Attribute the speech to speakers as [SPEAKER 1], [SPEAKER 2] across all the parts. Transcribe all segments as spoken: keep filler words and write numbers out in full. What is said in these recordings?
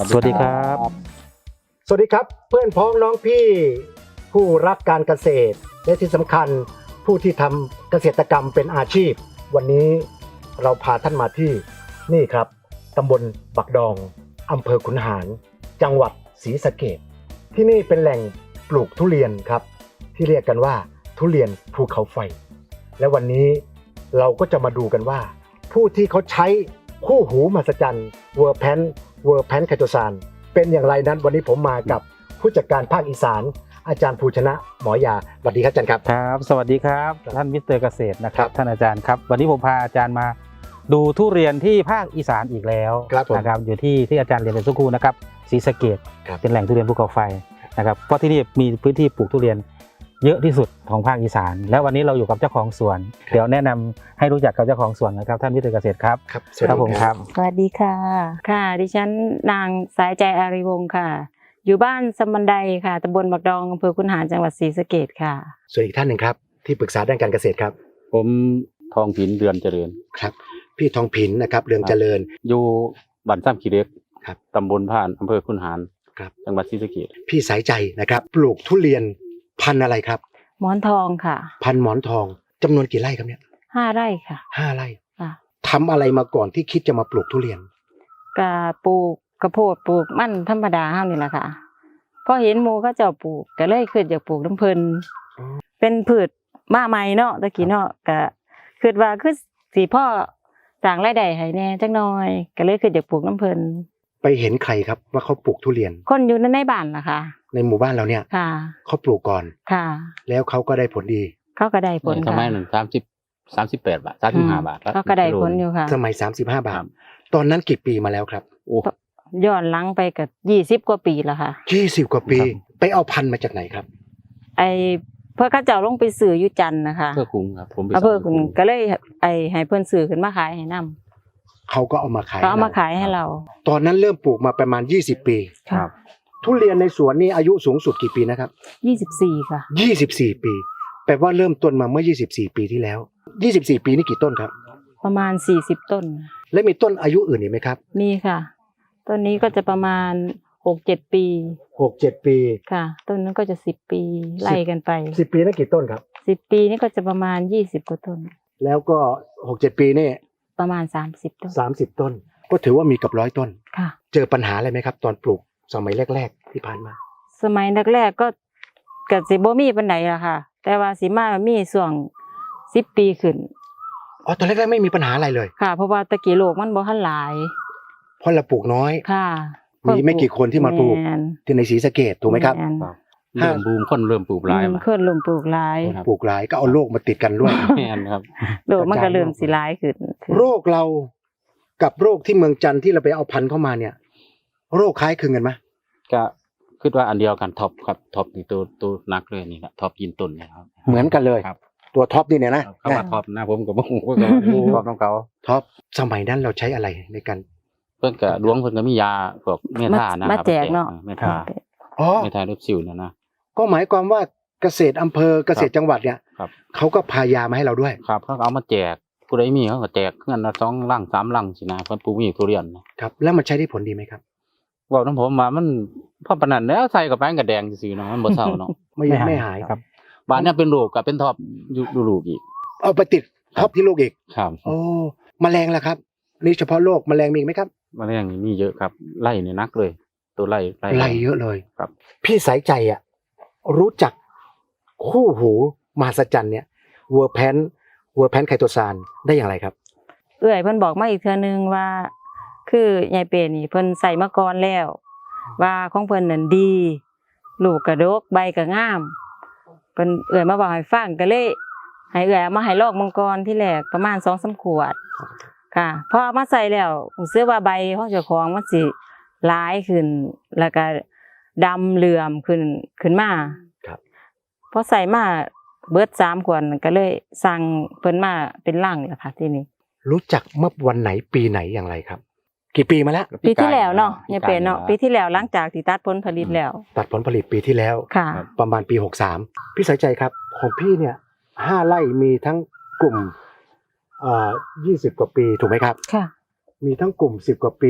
[SPEAKER 1] สวัสดีครับ
[SPEAKER 2] สวัสดีครับเพื่อนพ้องน้องพี่ผู้รักการเกษตรและที่สำคัญผู้ที่ทำเกษตรกรรมเป็นอาชีพวันนี้เราพาท่านมาที่นี่ครับตำบลบักดองอำเภอขุนหารจังหวัดศรีสะเกษที่นี่เป็นแหล่งปลูกทุเรียนครับที่เรียกกันว่าทุเรียนภูเขาไฟและวันนี้เราก็จะมาดูกันว่าผู้ที่เขาใช้คู่หูมหัศจรรย์เวอร์แพนเวอร์แพนไคโตซานเป็นอย่างไรนั้นวันนี้ผมมากับผู้จัดการภาคอีสานอาจารย์ภูชนะหมอยาสวัสดีครับอาจารย์ครับ
[SPEAKER 1] ครับสวัสดีครับท่านมิสเตอร์เกษตรนะครับท่านอาจารย์ครับวันนี้ผมพาอาจารย์มาดูทุเรียนที่ภาคอีสานอีกแล้วนะครับอยู่ที่ที่อาจารย์เรียนเป็นสุขุนะครับศรีสะเกษเป็นแหล่งทุเรียนภูเขาไฟนะครับเพราะที่นี่มีพื้นที่ปลูกทุเรียนเยอะที่สุดของภาคอีสานแล้ววันนี้เราอยู่กับเจ้าของสวนเดี๋ยวแนะนำให้รู้จักกับเจ้าของสวนนะครับท่านมิสเตอร์เกษตรครับ
[SPEAKER 2] ครับ
[SPEAKER 1] ครับผมครับ
[SPEAKER 3] สวัสดีค่ะค่ะดิฉันนางสายใจอารีวงศ์ค่ะอยู่บ้านสมบันไดค่ะตำบลบักดองอำเภอขุนหารจังหวัดศรีสะเกษค่ะ
[SPEAKER 2] ส่วนอีกท่านหนึ่งครับที่ปรึกษาด้านการเกษตรครับ
[SPEAKER 4] ผมทองผินเดือนเจริญ
[SPEAKER 2] ครับพี่ทองผินนะครับเรืองเจริญ
[SPEAKER 4] อยู่บ้านซ้ำขี้เหล็ก
[SPEAKER 2] ครับ
[SPEAKER 4] ตำบลผ่านอำเภอขุนหาร
[SPEAKER 2] ครับ
[SPEAKER 4] จังหวัดศรีสะเกษ
[SPEAKER 2] พี่สายใจนะครับปลูกทุเรียนพันธุ์อะไรครับ
[SPEAKER 3] หมอนทองค่ะ
[SPEAKER 2] พันธุ์หมอนทองจำนวนกี่ไร่ครับเนี่ย
[SPEAKER 3] ห้าไร่ค่ะ
[SPEAKER 2] ห้าไร่
[SPEAKER 3] ค่ะ
[SPEAKER 2] ทำอะไรมาก่อนที่คิดจะมาปลูกทุเรียน
[SPEAKER 3] กะปลูกกระโพดปลูกมันธรรมดาเฮานี่แหละค่ะพอเห็นหมู่เขาเจ้าปลูกก็เลยคิดอยากปลูกน้ำเพิ่นเป็นพืชมาใหม่เนาะตะกี้เนาะก็คิดว่าคือสิพ่อสร้างรายได้ให้แน่จักหน่อยก็เลยคิดอยากปลูกน้ำเพิ่น
[SPEAKER 2] ไปเห็นใครครับว่าเขาปลูกทุเรียน
[SPEAKER 3] คนอยู่ในบ้านล่ะค่ะ
[SPEAKER 2] ในหมู่บ้านเราเนี่ย
[SPEAKER 3] ค่ะ
[SPEAKER 2] เขาปลูกก่อน
[SPEAKER 3] ค่ะ
[SPEAKER 2] แล้วเขาก็ได้ผลดี
[SPEAKER 3] เขาก็ได้ผล
[SPEAKER 4] สมัยหนึ่งสามสิบสามสิบแปดบาทสามสิบห้าบาท
[SPEAKER 3] เขาก็ได้ผลอยู่ค่ะ
[SPEAKER 2] สมัยสามสิบห้าบาทตอนนั้นกี่ปีมาแล้วครับ
[SPEAKER 4] โอ้
[SPEAKER 3] ย้อนหลังไปกับยี่สิบกว่าปีแล้วค่ะ
[SPEAKER 2] ยี่สิบกว่าปีไปเอาพันธุ์มาจากไหนครับ
[SPEAKER 3] ไอเพื่อข้าเจ้าลงไปซื้ออยู่จันทร์นะคะ
[SPEAKER 4] เพื่อคุ้งครับผม
[SPEAKER 3] เพื่อคุ้งก็เลยไอให้เพื่อนซื้อขึ้นมาขายให้นำ
[SPEAKER 2] เขาก็เอามาขาย
[SPEAKER 3] เขาเอามาขายให้เรา
[SPEAKER 2] ตอนนั้นเริ่มปลูกมาประมาณยี่สิบปี
[SPEAKER 3] ครับ
[SPEAKER 2] ทุเรียนในสวนนี่อายุสูงสุดกี่ปีนะครับ
[SPEAKER 3] ยี่สิบสี่ค่ะ
[SPEAKER 2] ยี่สิบสี่ปีแปลว่าเริ่มต้นมาเมื่อยี่สิบสี่ปีที่แล้วยี่สิบสี่ปีนี่กี่ต้นครับ
[SPEAKER 3] ประมาณสี่สิบต้น
[SPEAKER 2] และมีต้นอายุอื่นอีกไหมครับ
[SPEAKER 3] มีค่ะต้นนี้ก็จะประมาณหกเจ็ดปี
[SPEAKER 2] หกเจ็ดปี
[SPEAKER 3] ค่ะต้นนั้นก็จะสิบปีไล่กันไป
[SPEAKER 2] สิบปีนั่นกี่ต้นครับ
[SPEAKER 3] สิบปีนี่ก็จะประมาณยี่สิบกว่าต้น
[SPEAKER 2] แล้วก็หกเจ็ดปีนี่
[SPEAKER 3] ประมาณสามสิบต้น
[SPEAKER 2] สามสิบต้นก็ถือว่ามีกับร้อยต้น
[SPEAKER 3] ค่ะ
[SPEAKER 2] เจอปัญหาอะไรไหมครับตอนปลูกสมัยแรกๆที่ผ่านมา
[SPEAKER 3] สมัยแรกๆก็ก็สิบ่มีปานใดล่ะค่ะแต่ว่าสิมามีช่วงสิบปีขึ้น
[SPEAKER 2] อ๋อตอนแรกๆไม่มีปัญหาอะไรเลย
[SPEAKER 3] ค่ะเพราะว่าตะกี้โลกมันบ่ทันหลาย
[SPEAKER 2] เพราะเราปลูกน้อย
[SPEAKER 3] ค่ะ
[SPEAKER 2] มีไม่กี่คนที่มาปลูกที่ในศรีสะเกษถูกไหมครับ
[SPEAKER 4] เริ่มบูมคนเริ่มปลูกหลาย
[SPEAKER 3] มาคนเริ่มปลูกหลาย
[SPEAKER 2] ปลูกหลายก็เอาโรคมาติดกันด้วย
[SPEAKER 4] แม่นครับ
[SPEAKER 3] โรคมันก็เริ่มสิหลายขึ้น
[SPEAKER 2] โรคเรากับโรคที่เมืองจันทร์ที่เราไปเอาพันธุ์เข้ามาเนี่ยโรคคล้ายคลึงกันไหม
[SPEAKER 4] ก็คิดว่าอันเดียวกันท็อปครับท็อปนี่ตัวตัวนักเลยนี่ครับท็อปยินต้นนะครับ
[SPEAKER 2] เหมือนกันเลย
[SPEAKER 4] ครับ
[SPEAKER 2] ตัวท็อปนี่เนี่ยนะ
[SPEAKER 4] เขาว่าท็อปนะผมก็บ่ฮู้ว่าท็อปของเขา
[SPEAKER 2] ท็อปสมัยนั้นเราใช้อะไรในการ
[SPEAKER 4] เพิ่นก็หลวงเพิ่นก็มียาพวกเมทานะครับ
[SPEAKER 3] มาแจกเนาะ
[SPEAKER 4] เมทา
[SPEAKER 2] อ๋อ
[SPEAKER 4] เมทาลดสิวเนี่ยนะ
[SPEAKER 2] ก็หมายความว่าเกษตรอำเภอเกษตรจังหวัดเนี่ยเขาก็พายามาให้เราด้วย
[SPEAKER 4] ครับเขาเอามาแจกผู้ใดมีเขาก็แจกเงินละสองลังสามลังสินะเพิ่นปลูกมีทุเรียน
[SPEAKER 2] ครับแล้วมันใช้ได้ผลดีไหมครับ
[SPEAKER 4] เว้านำผมว่ามันพอปานนั้นแล้วใส่กับแป้งกับแดงซื่อๆเนาะมันบ่เศร้าเนาะ
[SPEAKER 2] ไม่ไม่หายครับ
[SPEAKER 4] บ้านนี้เป็นโรคก็เป็นท็อปอยู่ลูกอีก
[SPEAKER 2] เอาไปติดท็อปที่ลูกอีก
[SPEAKER 4] ครับ
[SPEAKER 2] โอ้แมลงล่ะครับนี่เฉพาะโรคแมลงมีอีกมั้ยครับ
[SPEAKER 4] แมลงนี่มีเยอะครับไล่นี่นักเลยตัวไล่
[SPEAKER 2] ไล่ไล่เยอะเลย
[SPEAKER 4] ครับ
[SPEAKER 2] พี่สายใจอ่ะรู้จักคู่หูมหัศจรรย์เนี่ยเวอร์แพนเวอร์แพนไคโตซานได้อย่างไรครับ
[SPEAKER 3] เอื้อยเพิ่นบอกมาอีกเทื่อนึงว่าคือยายเป้นี่เพิ่นใส่มาก่อนแล้วว่าของเพิ่นนั่นดีลูกกระดกใบก็งามเพิ่นเอื้อยมาบอกให้ฟังก็เลยให้เอื้อยเอามาให้ลอกมังกรที่แรกประมาณ สองสาม ขวดค่ะพอเอามาใส่แล้วรู้สึกว่าใบของเจ้าของมันสิหลายขึ้นแล้วก็ดำเหลื่อมขึ้นขึ้นมา
[SPEAKER 2] ครับ
[SPEAKER 3] พอใส่มาเบิดสามขวดก็เลยสั่งเพิ่นมาเป็นลังแล้วค่ะทีนี้
[SPEAKER 2] รู้จักเมื่อวันไหนปีไหนอย่างไรครับกี่ปีมาแล้ว
[SPEAKER 3] ปีที่แล้วเนาะยังเป็นเนาะปีที่แล้วหลังจากที่ตัดผลผลิตแล้ว
[SPEAKER 2] ตัดผลผลิตปีที่แล้ว
[SPEAKER 3] ค่ะ
[SPEAKER 2] ประมาณปีหกสิบสามพี่สายใจครับของพี่เนี่ยห้าไร่มีทั้งกลุ่มเอ่อยี่สิบกว่าปีถูกไหมครับ
[SPEAKER 3] ค่ะ
[SPEAKER 2] มีทั้งกลุ่มสิบกว่าปี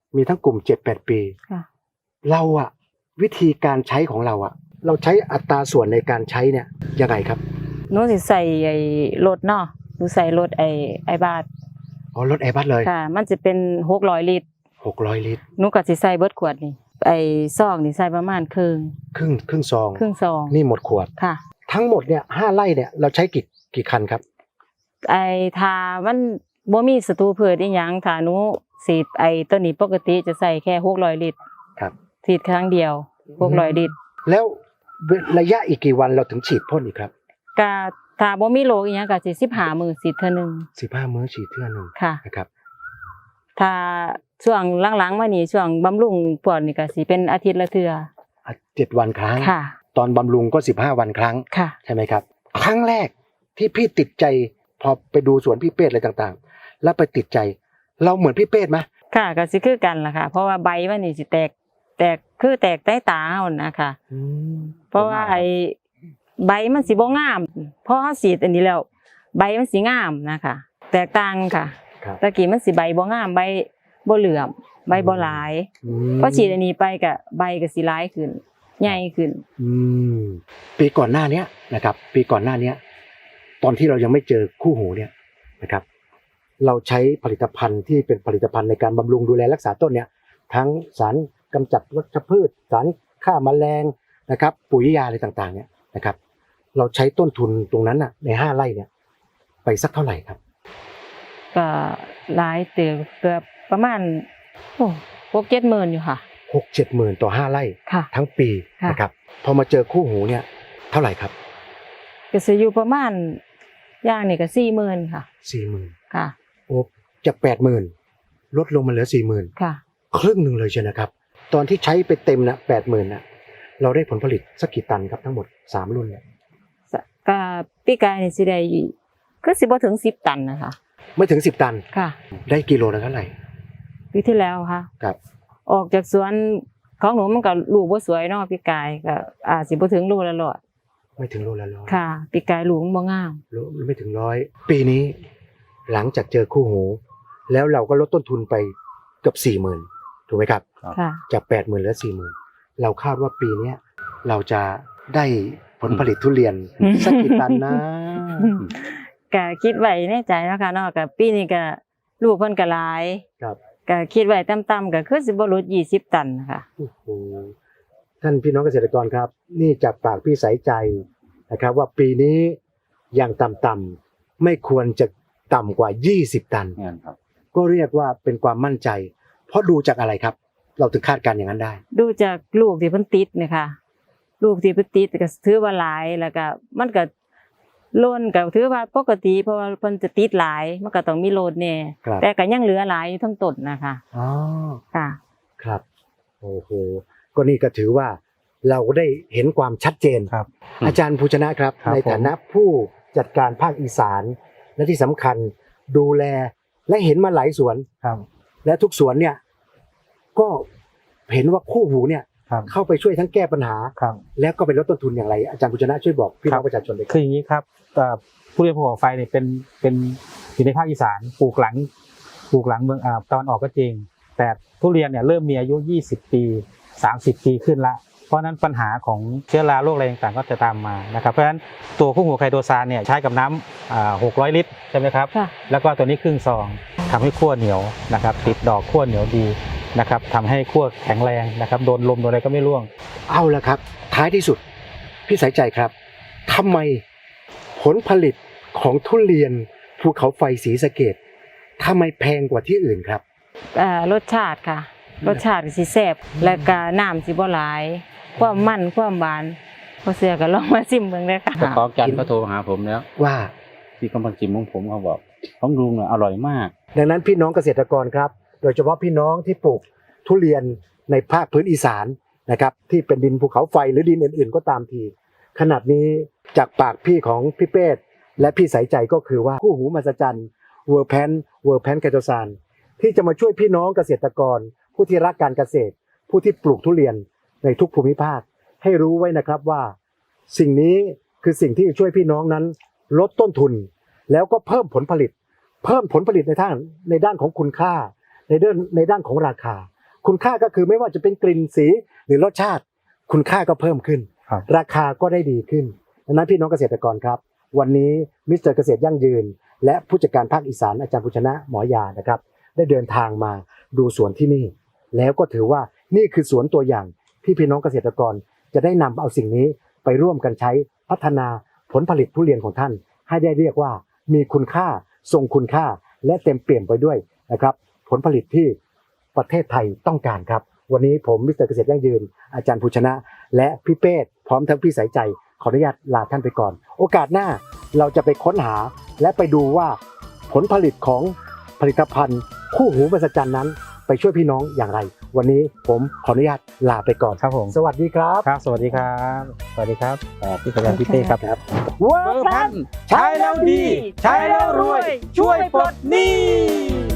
[SPEAKER 2] มีทั้งกลุ่มเจ็ดแปดปี
[SPEAKER 3] ค่ะ
[SPEAKER 2] เราอะวิธีการใช้ของเราอะเราใช้อัตราส่วนในการใช้เนี่ยยังไงครับ
[SPEAKER 3] หนูสิใส่ไอ้รถเนาะหนูใส่รถไอ้ไอ้บาท
[SPEAKER 2] อ๋อรถแอร์บัสเลย
[SPEAKER 3] ค่ะ มันจะเป็นหกร้อยลิตร
[SPEAKER 2] หกร้อยลิตร
[SPEAKER 3] หนูก็สิใส่เบิดขวดนี่ไอ้ซองนี่ใส่ประมาณครึ่ง
[SPEAKER 2] ครึ่งครึ่งซอง
[SPEAKER 3] ครึ่งซอง
[SPEAKER 2] นี่หมดขวด
[SPEAKER 3] ค่ะ
[SPEAKER 2] ทั้งหมดเนี่ยห้าไร่เนี่ยเราใช้กี่กี่คันครับ
[SPEAKER 3] ไอ้ทามันบ่มีศัตรูพืชอีหยังถ้าหนูฉีดไอ้ตัวนี้ปกติจะใส่แค่หกร้อยลิตร
[SPEAKER 2] ครับ
[SPEAKER 3] ฉีดครั้งเดียวหกร้อยลิตร
[SPEAKER 2] แล้วระยะอีกกี่วันเราถึงฉีดพ่นอีกครับ
[SPEAKER 3] ก็ถ้าบ่มีโรคอีหยังก็สิสิบห้ามื้อฉีดเทื่อนึง
[SPEAKER 2] สิบห้ามื้อฉีดเทื่อหนึ่ง
[SPEAKER 3] ค่ะ
[SPEAKER 2] นะครับ
[SPEAKER 3] ถ้าช่วงหลังๆมานี่ช่วงบำรุงพวกนี่ก็สิเป็นอาทิตย์ละเทื่อ
[SPEAKER 2] อ่ะเจ็ดวันครั้ง
[SPEAKER 3] ค่ะ
[SPEAKER 2] ตอนบำรุงก็สิบห้าวันครั้ง
[SPEAKER 3] ค่ะ
[SPEAKER 2] ใช่ไหมครับ ครั้งแรกที่พี่ติดใจพอไปดูสวนพี่เป้อะไรต่างๆ แล้วไปติดใจ เราเหมือนพี่เป้ไหม
[SPEAKER 3] ค่ะก็สิคือกันล่ะค่ะ เพราะว่าใบมันนี่สิแตกแตกคือแตกใต้ตาเฮานะคะ
[SPEAKER 2] อืม
[SPEAKER 3] เพราะว่าไอ้ใบมันสิบ่งามพอเฮาฉีดอันนี้แล้วใบมันสิงามนะคะแตกต่างค่ะ
[SPEAKER 2] ครับ
[SPEAKER 3] ตะกี้มันสิใบบ่งามใบบ่เหลื่อมใบบ่หลาย
[SPEAKER 2] อืม
[SPEAKER 3] พอฉีดอันนี้ไปก็ใบก็สิหลายขึ้นใหญ่ขึ้น
[SPEAKER 2] อืมปีก่อนหน้าเนี้ยนะครับ ปีก่อนหน้าเนี้ย ตอนที่เรายังไม่เจอคู่หูเนี่ยนะครับ เราใช้ผลิตภัณฑ์ที่เป็นผลิตภัณฑ์ในการบำรุงดูแลรักษาต้นเนี่ย ทั้งสารกำจัดวัชพืช สารฆ่าแมลงนะครับ ปุ๋ยยาอะไรต่างๆ เนี่ยนะครับ เราใช้ต้นทุนตรงนั้นน่ะในห้าไร่เนี่ย ไปสักเท่าไหร่ครับ
[SPEAKER 3] ก็หลายเติบเกือบประมาณโอ้หกเจ็ดหมื่นอยู่ค่ะ
[SPEAKER 2] หกเจ็ดหมื่นต่อห้าไร่
[SPEAKER 3] ค่ะ
[SPEAKER 2] ทั้งปี
[SPEAKER 3] ค่ะ
[SPEAKER 2] นะครับ พอมาเจอคู่หูเนี่ย เท่าไหร่ครับ
[SPEAKER 3] ก็สิอยู่ประมาณอย่างนี่ก็สี่หมื่นค่ะ
[SPEAKER 2] สี่หมื่น
[SPEAKER 3] ค่ะ
[SPEAKER 2] โอ้จากแปดหมื่นลดลงมาเหลือสี่หมื่น
[SPEAKER 3] ค่ะ
[SPEAKER 2] ครึ่งหนึ่งเลยใช่นะครับ ตอนที่ใช้ไปเต็มนะแปดหมื่นนะเราได้ผลผลิตสักกี่ตันครับทั้งหมดสามรุ่นเนี่ย
[SPEAKER 3] ก็ปีกายนี่สิได้อยู่ก็สิบ่ถึงสิบตันนะคะ
[SPEAKER 2] ไม่ถึงสิบตัน
[SPEAKER 3] ค่ะ
[SPEAKER 2] ได้กิโลละเท่าไหร่
[SPEAKER 3] ปีที่แล้วค่ะ
[SPEAKER 2] ครับ
[SPEAKER 3] ออกจากสวนของหนูมันก็ลูกบ่สวยเนาะปีกายก็อาจสิบ่ถึงลูกละร้อย
[SPEAKER 2] ไม่ถึงโลละร้อย
[SPEAKER 3] ค่ะปีกายลูกมันบ่งาม
[SPEAKER 2] โลไม่ถึงร้อยปีนี้ หลังจากเจอคู่หู แล้วเราก็ลดต้นทุนไปเกือบสี่หมื่นถูกไหมครับ
[SPEAKER 3] ค่ะ
[SPEAKER 2] จากแปดหมื่นเหลือสี่หมื่นเราคาดว่าปีเนี้ยเราจะได้ผลผลิตทุเรียน
[SPEAKER 3] อืม
[SPEAKER 2] สักกี่ตันนะ
[SPEAKER 3] ก็คิดไว้ในใจเนาะค่ะเนาะก็ปีนี้ก็ลูกเพิ่นก็หลาย
[SPEAKER 2] ครับ
[SPEAKER 3] ก็คิดไว้ต่ำๆก็คือสิบ่ลดยี่สิบตันค่ะ
[SPEAKER 2] โอ้โหท่านพี่น้องเกษตรกรครับ นี่จากปากพี่สายใจนะครับ ว่าปีนี้อย่างต่ำๆไม่ควรจะต่ำกว่ายี่สิบตัน
[SPEAKER 4] เนี่ยครับ
[SPEAKER 2] ก็เรียกว่าเป็นความมั่นใจ เพราะดูจากอะไรครับ เราถึงคาดการณ์อย่างนั้นได้
[SPEAKER 3] ดูจากลูกที่เพิ่นติดเนี่ยค่ะลูกที่เพิ่นติดก็ถือว่าหลายแล้วก็มันก็ล้นก็ถือว่าปกติเพราะว่าเพิ่นจะติดหลายมันก็ต้องมีโลดแน่
[SPEAKER 2] ครับ
[SPEAKER 3] แต่ก็ยังเหลือหลายอยู่ทั้งต้นนะคะ
[SPEAKER 2] อ๋อ
[SPEAKER 3] ค่ะ
[SPEAKER 2] ครับโอ้โหก็นี่ก็ถือว่าเราได้เห็นความชัดเจน
[SPEAKER 1] ครับ
[SPEAKER 2] อาจารย์ภูชนะครับ
[SPEAKER 1] ครับ
[SPEAKER 2] ในฐานะผู้จัดการภาคอีสาน และที่สำคัญดูแลและเห็นมาหลายสวน
[SPEAKER 1] ครับ
[SPEAKER 2] และทุกสวนเนี่ย ก็เห็นว่าคู่หูเนี่ย
[SPEAKER 1] ครับ
[SPEAKER 2] เข้าไปช่วยทั้งแก้ปัญหา
[SPEAKER 1] ครับ
[SPEAKER 2] แล้วก็ไปลดต้นทุนอย่างไร อาจารย์ภูชนะช่วยบอกพี่น้องประชาชนเลยค
[SPEAKER 1] คื
[SPEAKER 2] รับ
[SPEAKER 1] ออย่างนี้ครับเอ่อผู้เรียนภูเขาไฟเนี่ยเป็นเป็นอยู่ในภาคอีสานปลูกหลังปลูกหลังเมืองอ่าตอนออกก็จริง แต่ทุเรียนเนี่ยเริ่มมีอายุยี่สิบปีสามสิบปีขึ้นละเพราะฉะนั้นปัญหาของเชื้อราโรคอะไรต่างๆก็จะตามมานะครับเพราะฉะนั้นตัวคู่หูไคโดซานเนี่ยใช้กับน้ำอ่าหกร้อยลิตรใช่ไหมครับ
[SPEAKER 3] ค่ะ
[SPEAKER 1] แล้วก็ตัวนี้ครึ่งซองทำให้ขั้วเหนียวนะครับติดดอกขั้วเหนียวดีนะครับทำให้ขั้วแข็งแรงนะครับโดนลมโดนอะไรก็ไม่ร่วง
[SPEAKER 2] เอาละครับ ท้ายที่สุดพี่สายใจครับทำไมผลผลิตของทุเรียนภูเขาไฟศรีสะเกษทำไมแพงกว่าที่อื่นครับ
[SPEAKER 3] เอ่อรสชาติค่ะ รสชาติสิแซ่บแล้วก็น้ำสิบ่หลาย ความมันความหวานพอเสือก็ลองมาชิมเบิ่งเด้อค่ะ
[SPEAKER 4] เจ้าของจันทร์ก็โทรหาผมแล้ว
[SPEAKER 2] ว่า
[SPEAKER 4] ที่กำลังจิมของผมเขาบอกของลุงเนี่ยอร่อยมาก
[SPEAKER 2] ดังนั้นพี่น้องเกษตรกรครับ โดยเฉพาะพี่น้องที่ปลูกทุเรียนในภาคพื้นอีสานนะครับ ที่เป็นดินภูเขาไฟหรือดินอื่นๆ ก็ตามที ขนาดนี้จากปากพี่ของพี่เป้และพี่สายใจก็คือว่าคู่หูมหัศจรรย์เวอร์แพนเวอร์แพนไคโตซานที่จะมาช่วยพี่น้องเกษตรกร ผู้ที่รักการเกษตร ผู้ที่ปลูกทุเรียนในทุกภูมิภาค ให้รู้ไว้นะครับว่า สิ่งนี้คือสิ่งที่จะช่วยพี่น้องนั้น ลดต้นทุน แล้วก็เพิ่มผลผลิต เพิ่มผลผลิตในทางในด้านของคุณค่า ในด้านในด้านของราคาคุณค่าก็คือไม่ว่าจะเป็นกลิ่นสีหรือรสชาติคุณค่าก็เพิ่มขึ้น
[SPEAKER 1] ครับ
[SPEAKER 2] ราคาก็ได้ดีขึ้นดังนั้นพี่น้องเกษตรกรครับวันนี้มิสเตอร์เกษตรยั่งยืนและผู้จัดการภาคอีสานอาจารย์ภูชนะหมอยานะครับได้เดินทางมาดูสวนที่นี่แล้วก็ถือว่านี่คือสวนตัวอย่างที่พี่น้องเกษตรกรจะได้นำเอาสิ่งนี้ไปร่วมกันใช้พัฒนาผลผลิตทุเรียนของท่านให้ได้เรียกว่ามีคุณค่าทรงคุณค่าและเต็มเปี่ยมไปด้วยนะครับผลผลิตที่ประเทศไทยต้องการครับวันนี้ผมมิสเตอร์เกษตรยั่งยืนอาจารย์ภูชนะ และพี่เป้พร้อมทั้งพี่สายใจขออนุญาตลาท่านไปก่อนโอกาสหน้าเราจะไปค้นหาและไปดูว่าผลผลิตของผลิตภัณฑ์คู่หูมหัศจรรย์นั้นไปช่วยพี่น้องอย่างไร วันนี้ผมขออนุญาตลาไปก่อน
[SPEAKER 1] ครับผม
[SPEAKER 2] สวัสดีครับ
[SPEAKER 1] ครับ สวัสดีครับ สวัสดีครับเอ่อพี่กระยันพี่เต้ครับ
[SPEAKER 2] ครับ
[SPEAKER 1] เวอร์พันใช้แล้วดี ใช้แล้วรวย ช่วยปลดหนี้